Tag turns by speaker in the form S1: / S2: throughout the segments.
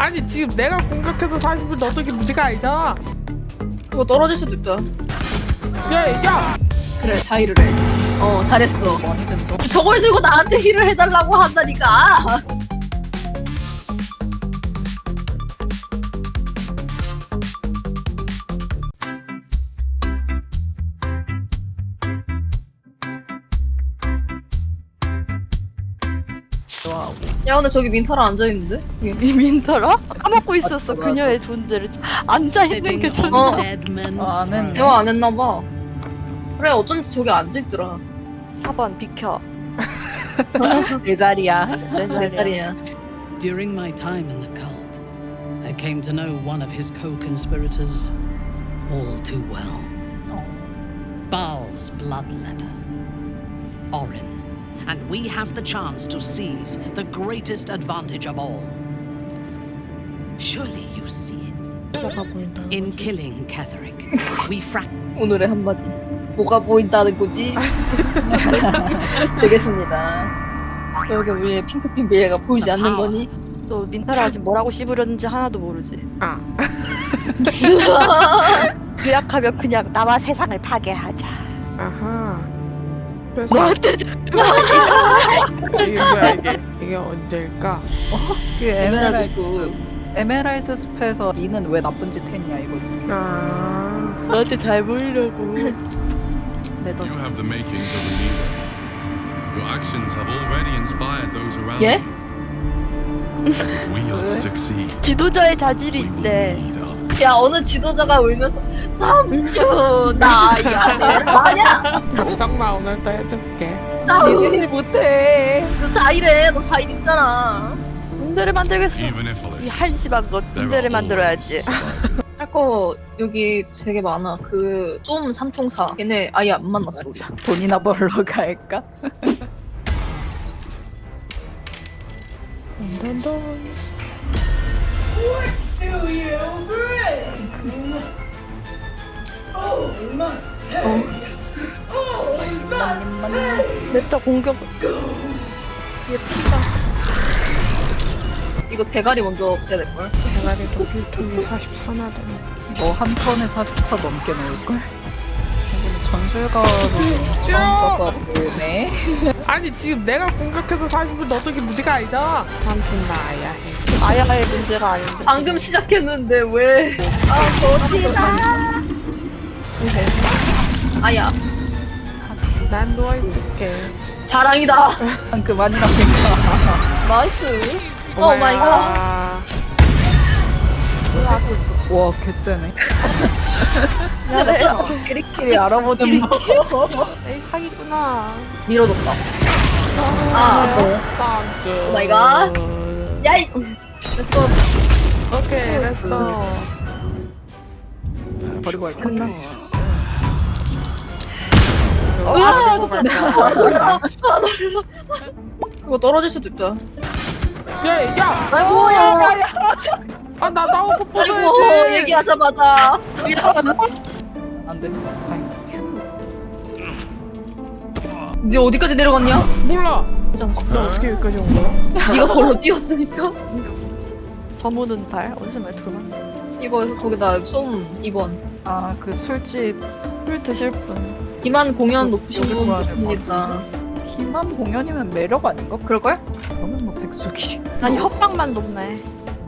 S1: 아니 지금 내가 공격해서 40을 넣어도 게 문제가 아니다.
S2: 그거 떨어질 수도 있다.
S1: 야!
S2: 그래, 자의를 해. 잘했어. 저걸 들고 나한테 힐을 해달라고 한다니까. 야, 근데 저기 민타라 앉아있는데?
S3: 민터라? 까먹고 있었어 그녀의 존재를. 앉아있는 게 존재.
S4: 안 했네.
S2: 대화 안 했나봐. 그래, 어쩐지 저기 앉아있더라.
S3: 4번 비켜.
S4: 내 자리야.
S2: 내 자리야.
S5: During my time in the cult, I came to know one of his co-conspirators all too well. Baal's bloodletter. Orin. And we have the chance to seize the greatest advantage of all. Surely you see it.
S2: 뭐가 보인다.
S5: In killing Ketheric, we
S2: 오늘의 한마디. 뭐가 보인다는 거지? 되겠습니다. 여기 우리의 핑크핀 베이가 보이지 않는 거니?
S3: 또 민터라가 지금 뭐라고 씹으려는지 하나도 모르지. 요약하면 그냥 나와 세상을 파괴하자.
S1: 아하. 그래서
S3: 너한테
S1: 이게 뭐야 이게 언제일까?
S4: 그
S2: 에메랄드 숲.
S4: 에메랄드 숲에서 니는 왜 나쁜 짓 했냐 이거지.
S3: 너한테 잘 보이려고.
S4: 레더
S6: You have the makings of a leader. Your actions have already inspired those around
S2: Yeah?
S6: you. If we are to succeed,
S3: 지도자의 자질이
S6: we will
S3: 있대.
S6: lead others.
S2: 야, 어느 지도자가 울면서 3주 나야 아니야.
S1: 걱정마 오늘도 해줄게.
S2: 나
S4: 니들이 못해.
S2: 너 자일해. 너 자일 있잖아.
S3: 군대를 만들겠어.
S6: Even if
S3: 이 한심한 것
S6: there
S3: 군대를
S6: are
S3: 만들어야지.
S6: always survivors.
S2: 할 거 여기 되게 많아. 쏨 삼총사. 걔네 아예 안 만났어. 우리.
S4: 돈이나 벌러 갈까?
S3: 냅다 공격.
S2: 이거 대가리 먼저 없애야 될걸?
S1: 대가리도 필통이 44나 되네.
S4: 너 한 턴에 44 넘게 넣을걸? 전술가로 던져가 보네.
S1: 아니 지금 내가 공격해서 40을 넣어도 게 문제가 아니다. 삼촌 나야 해.
S3: 아야의 문제가 아닌데.
S2: 방금 시작했는데 왜? 아야,
S1: 난 누워있을게.
S2: 자랑이다.
S4: 그만이라니까.
S2: 나이스. 오 마이 갓.
S4: 와 개쎄네.
S2: 야,
S4: 끼리끼리 알아보는 거.
S3: 에이 사기구나.
S2: 밀어줬다.
S1: 삼촌.
S2: 오 마이 갓. 야이. 렛츠고.
S1: 오케이, 렛츠고.
S4: 버리고 갈까?
S3: 끝나.
S2: 으아,
S1: 아,
S2: 그거 떨어질 수도 있다.
S1: 야!
S2: 아이고,
S1: 아, 나 나오고
S2: 아이고,
S1: 뽑아야지!
S2: 얘기하자마자.
S4: 안 돼. 다행이다.
S2: 네 어디까지 내려갔냐?
S1: 몰라!
S2: 잠깐.
S1: 나 어떻게 여기까지 온 거야?
S2: 네가 걸로 뛰었으니까.
S3: 저무는 달 어디서 말 들어봤나?
S2: 이거 거기다 쏨 2번.
S4: 아 그 술집
S3: 술 드실 분.
S2: 기만 공연 높으신
S4: 여기
S2: 분
S4: 좋아야 될것
S2: 좋습니다.
S4: 기만 공연이면 매력 아닌가?
S2: 그럴걸?
S4: 그러면 뭐 백숙이.
S3: 아니 협박만 높네.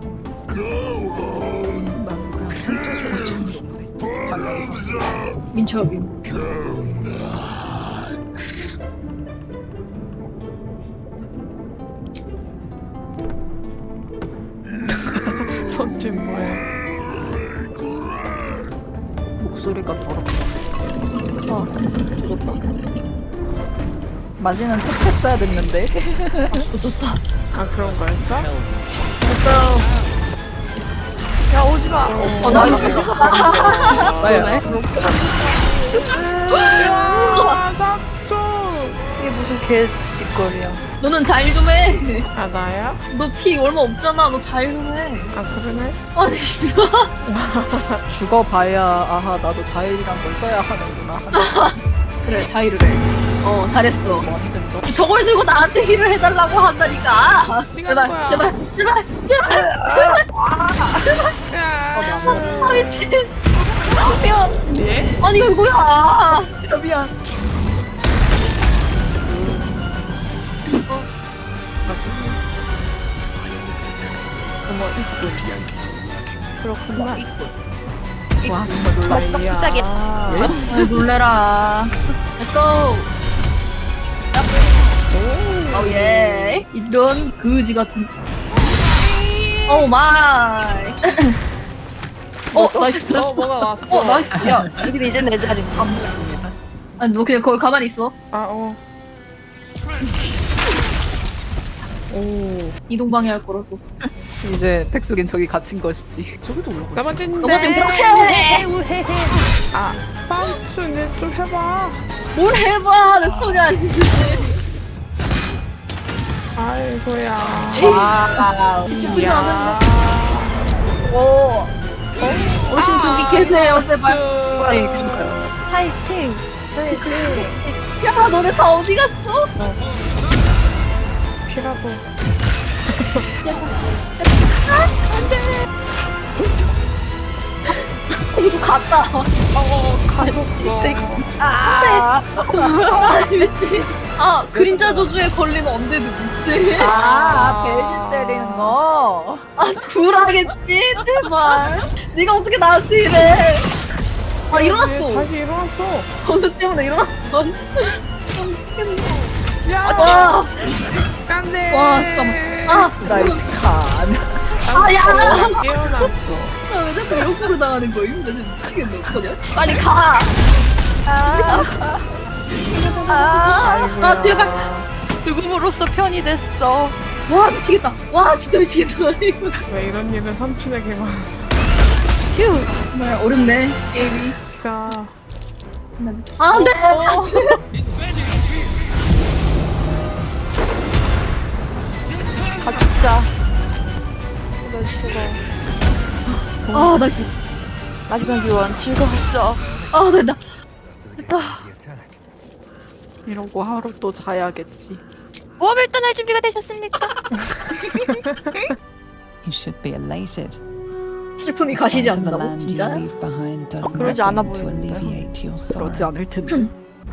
S4: 나는 그냥 진짜 좋아지는 건데.
S2: 민첩이.
S1: 손짓 뭐야?
S4: 목소리가 더럽다.
S2: 아, 조졌다.
S4: 마지는 척했어야 됐는데.
S1: 아, 그런 거였어?
S2: 됐어요.
S3: 야 오지 마.
S2: 나이스.
S4: 나야.
S1: 야, 삼촌!
S3: 이게 무슨 개짓거리야.
S2: 너는 자일 좀 해.
S1: 아, 나야?
S2: 너 피 얼마 없잖아. 너 자일 좀 해.
S1: 아, 그러네?
S2: 아니,
S4: 죽어봐야 아하 나도 자일이란 걸 써야 하는구나.
S2: 그래, 자일을 해. 잘했어.
S4: 완전 너
S2: 저걸 들고 나한테 힐을 해달라고 한다니까.
S1: 네가
S2: 제발,
S1: 누구야?
S2: 제발, 제발, 제발, 제발. 미친.
S1: 예?
S2: 아니 이거야.
S4: 진짜 미안.
S3: 어머 이쁜. 그렇구나.
S4: 와 정말 놀라이야.
S3: 갑자기.
S2: 아, 놀래라. Let's go. 오 예. 이런 그지 같은. 오 마이. 나이스.
S1: 뭐가 왔어?
S2: 나이스. 야,
S3: 여기 이제 내 자리.
S2: 아니 너 그냥 거기 가만히 있어.
S4: 오
S2: 이동 방해할 거라서.
S4: 이제 백숙인 저기 갇힌 것이지. 저기도 올라가. 있어.
S1: 넘어진대.
S2: 넘어지면 그렇지.
S1: 빵충이 좀 해봐.
S2: 뭘 해봐. 내 손이 아닌데.
S1: 아이고야.
S4: 와.
S2: 기쁘지 않은데.
S4: 오.
S2: 어르신 거기 계세요 제발.
S3: 파이팅.
S2: 야 너네 다 어디 갔어?
S1: 피라고.
S2: 이거 갔다.
S1: 가셨어.
S2: 아 미치. 아 그림자 저주에 걸리면 언제도 미치.
S4: 배신 때리는 거.
S2: 굴하겠지 제발. 네가 어떻게 나한테 이래? 아 일어났어.
S1: 다시 일어났어.
S2: 건수 때문에 일어났어.
S1: 야,
S2: 와,
S1: 깐네.
S2: 와 잠깐만.
S4: 나이스 칸.
S2: 야.
S1: 깨어났어.
S2: 왜 자꾸 욕구로 당하는 거임? 나 지금 미치겠네. 어떡하냐? 빨리 가. 제발.
S3: 죽음으로써 편이 됐어.
S2: 와 미치겠다. 와 진짜 미치겠다. 이거
S1: 왜 이런 일은 삼촌에게만.
S3: 휴.
S2: 정말 어렵네 게임이.
S1: 가.
S2: 아 안돼.
S3: 가축자.
S2: 아 나이스.
S3: 마지막 요원 즐거웠어.
S2: 아 된다.
S4: 이러고 하루 또 자야겠지.
S3: 모험을 떠날 준비가 되셨습니까?
S7: You should be elated.
S2: 슬픔이 가시지
S7: Sight of the
S2: 않는다고
S7: land you
S2: 진짜?
S7: leave behind does
S3: 그러지 않아
S7: nothing to
S3: 보이는데.
S7: alleviate your sorrow.
S4: 그러지 않을 텐데.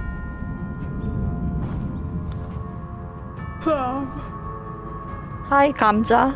S3: 하이 감자.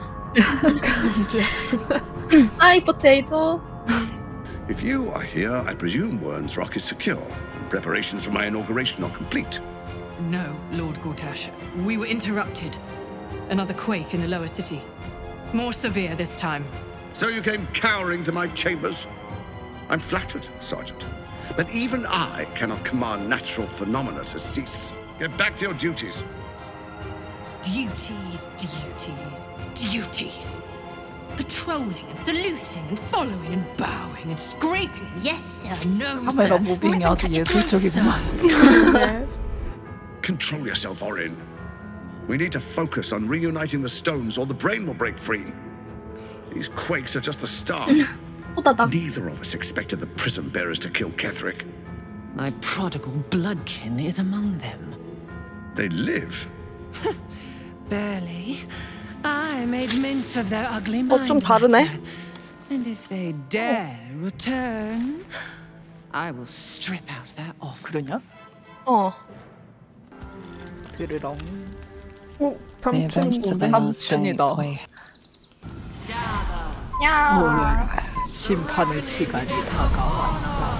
S2: 하이 포테이토.
S8: If you are here, I presume Wern's Rock is secure, and preparations for my inauguration are complete.
S9: No, Lord Gortash. We were interrupted. Another quake in the lower city. More severe this time.
S8: So you came cowering to my chambers? I'm flattered, Sergeant. But even I cannot command natural phenomena to cease. Get back to your duties.
S9: Duties, duties, duties. Patrolling and saluting and following and bowing and scraping. Yes, sir. No,
S4: 카메라
S9: sir.
S4: 무빙이 아주 예술적이구만.
S1: 네.
S8: Control yourself, Orin. We need to focus on reuniting the stones or the brain will break free. These quakes are just the start.
S2: 호다닥.
S8: Neither of us expected the prison bearers to kill Ketherick.
S5: My prodigal bloodkin is among them.
S8: They live.
S5: Barely. I made mince of their ugly
S3: 좀
S5: mind
S3: 다르네.
S5: matter. And if they dare return, I will strip out their offer.
S4: 그러냐? 드르렁.
S7: The events of the last day
S4: 삼촌이다.
S7: sway
S2: 야.
S4: 심판의 시간이 다가와.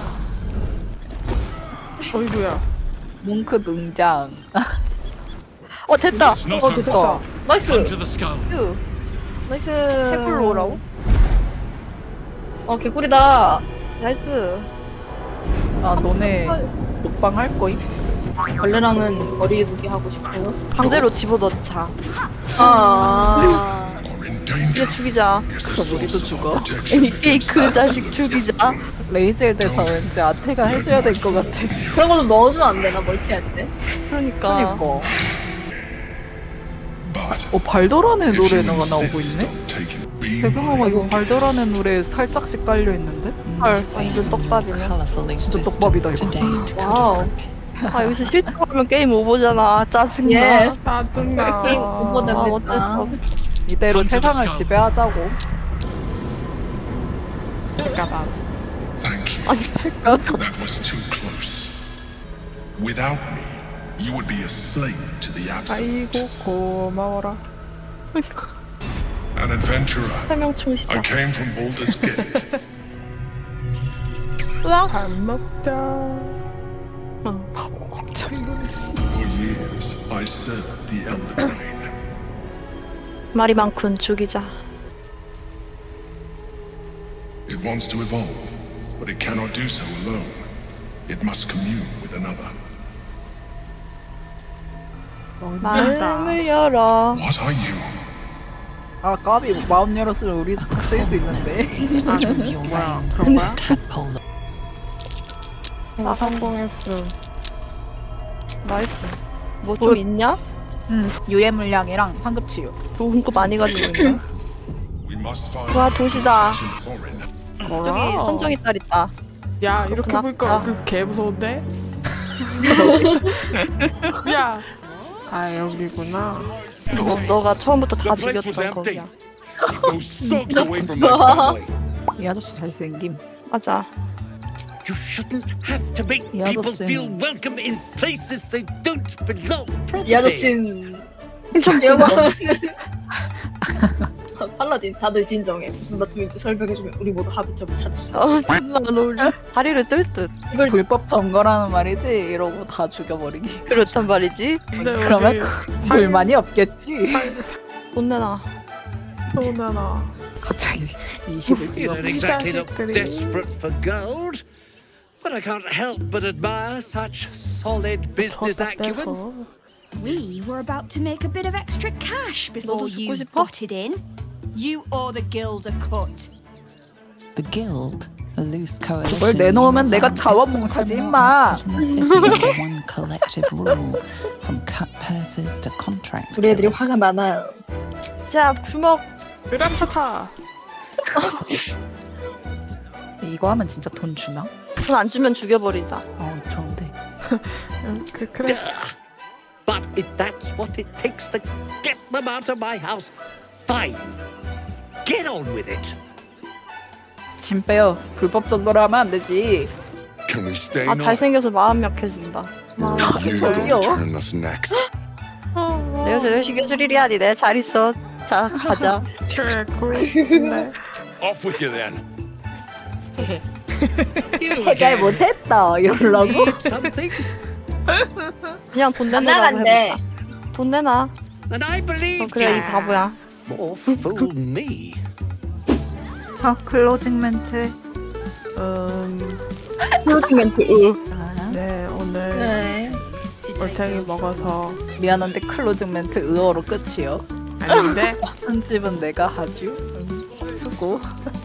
S1: 어이구야.
S4: 뭉크 등장.
S3: 됐다.
S6: It's not over.
S4: 됐다.
S6: Come
S2: 나이스.
S6: to the skull.
S3: 휴.
S2: 나이스.
S3: 해골로 오라고?
S2: 개꿀이다.
S3: 나이스.
S4: 아 너네 먹방 할 거임?
S2: 벌레랑은 거리두기 하고 싶어요.
S3: 강제로 집어넣자.
S2: 아.
S3: 이제 죽이자.
S4: 그럼 우리도 죽어.
S3: 이 그 자식 죽이자.
S4: 레이젤 대사 왠지 아테가 해줘야 될 것 같아.
S2: 그런 거 좀 넣어주면 안 되나 멀티할 때?
S3: 그러니까.
S4: 그니까. 발도란의 노래가 나오고 있네? 배경화가 이거 발도란의 노래 살짝씩 깔려있는데?
S3: 헐, 완전 떡밥이네.
S7: colourful
S4: 진짜 떡밥이다,
S7: existence to
S4: 이거.
S7: date
S2: 와우.
S7: could work.
S3: 아 여기서 실수하면 게임 오버잖아. 짜증나.
S2: 예스.
S1: 짜증나.
S2: 게임 오버됩니다.
S3: 어쩔 수 없어.
S4: 이대로 세상을 지배하자고.
S1: 까다.
S10: Thank you.
S3: 아니 발가락.
S10: That was too close. Without me, you would be a slave to the
S1: 아이고
S10: absolute.
S1: 고마워라.
S10: An adventurer.
S3: 설명 충시자.
S10: I came from Baldur's Gate.
S3: 으악.
S1: 밥 먹자.
S10: For years, I served the Elder Brain.
S3: 말이 많군 죽이자.
S10: It wants to evolve, but it cannot do so alone. It must commune with another.
S3: 마음을 열어.
S10: What are you?
S4: 아 까비 마음 열었으면 우리도 쓸 수 있는데.
S7: Seeps through your veins
S1: 그런
S7: like
S1: 거야?
S7: a tadpole.
S1: 성공했음.
S3: 나이스. 뭐 좀 있냐?
S4: 유해 물량이랑 상급 치유.
S3: 좋은 거 많이 가지고 있네.
S10: We must find
S3: 와 도시다.
S10: Orin.
S3: 저기 선정이 딸 있다.
S1: 야 이렇게
S3: 그렇구나.
S1: 보니까 개 무서운데? 야. 아 여기구나.
S3: 너가 처음부터 다 죽였던 거야.
S8: Keep those thugs away from my family.
S4: 이 아저씨 잘생김.
S3: 맞아.
S11: You shouldn't have to make
S4: 이
S11: people
S4: 아저씨는-
S11: feel welcome in places they don't belong.
S2: 이 아저씨는 좀 이러고 팔라딘 다들 진정해. 무슨 다툼인지 설명해주면 우리 모두 합의점을 찾을 수 있어.
S3: 존나 안 어울려. 다리를 뜰 듯.
S2: 이걸
S4: 불법 점거라는 말이지 이러고 다 죽여버리기.
S3: 그렇단 말이지.
S1: 근데
S4: 그러면
S1: 우리
S4: 불만이 없겠지.
S3: 돈 내놔.
S1: 소나나.
S4: 갑자기 20을
S11: You
S4: 뛰어.
S11: don't exactly look
S1: 자식들이.
S11: desperate for gold, but I can't help but admire such solid business acumen.
S9: We were about to make a bit of extra cash before
S3: 너도 죽고
S9: you
S3: 싶어?
S9: butted in. You owe the guild a cut.
S7: The guild, a loose coalition.
S4: 그걸 내놓으면 내가
S7: unified
S4: 자원봉사지,
S7: everyone
S4: 임마.
S7: in the city under one collective rule, from cut purses to contract
S2: 우리 애들이
S7: killers.
S2: 화가 많아요.
S3: 자 주먹.
S1: 으람차차.
S4: 이거 하면 진짜 돈 주나?
S3: 돈 안 주면 죽여버리자.
S4: 좋은데.
S1: 그래.
S11: But if that's what it takes to get them out of my house, fine. Get on with it.
S4: 짐 빼요. 불법 점거를 하면 안 되지.
S8: Can we stay
S3: 아
S8: now?
S3: 잘생겨서 마음 약해진다.
S8: You
S4: 저기요.
S8: will turn us next.
S3: 내가 저녁 예술일이야. 니 내가 잘 있어. 자 가자.
S1: 최고. 네.
S8: Off with you then.
S11: You
S4: 해결
S11: again.
S4: 못했다 이러려고.
S11: Need something?
S3: 그냥 돈
S2: 안
S3: 내놓으라고
S2: 나간대.
S3: 해볼까? 돈 내놔.
S11: And I believe
S3: 그래 이 바보야.
S11: more fool me.
S4: 자 클로징 멘트.
S3: 플로팅멘트.
S1: 네 오늘
S2: 네.
S1: 올챙이 먹어서
S4: 미안한데 클로징 멘트 의어로 끝이요.
S1: 아닌데.
S4: 편집은 내가 하죠. 수고.